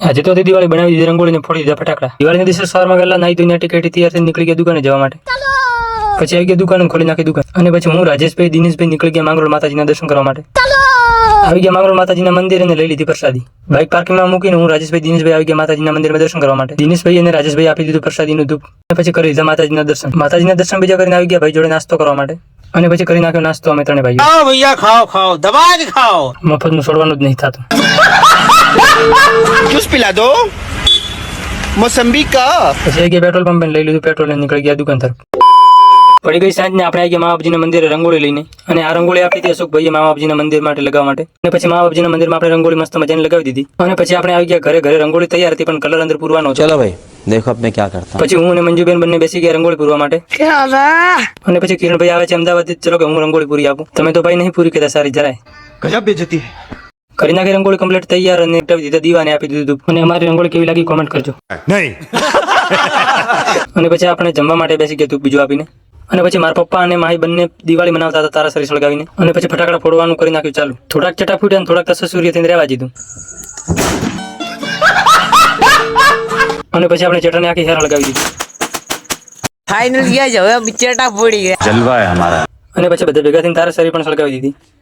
આજે તો દિવાળી બનાવી દીધી, રંગોળીને ફોડી દીધા ફટાકડા. દિવાળીના દિવસે સવારમાં વહેલા નાઈ ધોઈને ટિકિટ તૈયાર થઈને નીકળી ગયા દુકાને જવા માટે. પછી આવી ગયા દુકાન, ખોલી નાખી દુકાન. અને પછી હું રાજેશભાઈ દિનેશભાઈ નીકળી ગયા માંગરોળ માતાજીના દર્શન કરવા માટે. આવી ગયા માંગરોળ માતાજીના મંદિર અને લઈ લીધી પ્રસાદી. બાઇક પાર્કિંગમાં મૂકીને હું રાજેશભાઈ દિનેશભાઈ આવી ગયા માતાજીના મંદિરમાં દર્શન કરવા માટે. દિનેશભાઈ અને રાજેશભાઈ આપી દીધું પ્રસાદીનું ધૂપ. અને પછી કરી દીધા માતાજીના દર્શન. માતાજીના દર્શન બીજા કરીને આવી ગયા ભાઈ જોડે નાસ્તો કરવા માટે. અને પછી કરી નાખ્યો નાસ્તો અમે ત્રણે ભાઈઓ. ખાઓ ભૈયા, ખાઓ ખાઓ, દબા જ ખાઓ. મફતનું છોડવાનું જ નહીં થતું. જૂસ पिला दो मौसम्बी का. પછી આવી ગયા પેટ્રોલ પંપે, લઈ લીધું પેટ્રોલ અને નીકળી ગયા દુકાન તરફ. પડી ગઈ સાંજને આપણે આવી ગયા મા બાપજીના મંદિરે રંગોળી લઈને. અને આ રંગોળી આપી હતી અશોકભાઈએ મા બાપજીના મંદિર માટે લગાવવા માટે. અને પછી મા બાપજીના મંદિરમાં આપણે રંગોળી મસ્ત મજાની લગાવી દીધી. અને પછી આપણે આવી ગયા ઘરે. ઘરે રંગોળી તૈયાર હતી પણ કલર અંદર પૂરવાનો હતો. चलो भाई देखो अब मैं क्या करता हूँ. પછી હું અને મંજુબેન બંને બેસી ગયા રંગોળી પૂરવા માટે. અને પછી કિરણભાઈ આવે છે અમદાવાદથી, ચલો કે હું રંગોળી પૂરી આપું. તમે તો ભાઈ નહીં પૂરી કહેતા સારી જરાય. गजब बेइज्जती है. કરી નાખી રંગોળી કમ્પ્લીટ તૈયાર અને આપી દીધા દીવાને આપી દીધું. અને અમારી રંગોળી કેવી લાગી કોમેન્ટ કરજો. नहीं. અને પછી આપણે જમવા માટે બેસી ગયા ધૂપ બીજું આપીને. અને પછી મારા પપ્પા અને માહી બંને દિવાળી મનાવતા હતા તારાસરી સળગાવીને. અને પછી ફટાકડા ફોડવાનું કરી નાખ્યું ચાલુ. થોડાક ચટા ફૂટ્યા અને થોડાક તસસુરિયા થઈને રહેવા દીધું. અને પછી આપણે ચટાને આખી હેર લગાવી દીધી. फाइनल किया जो है चटा फोड़ी गया. जलवा है हमारा. અને પછી બધા ભેગા થઈને તારાસરી પણ સળગાવી દીધી.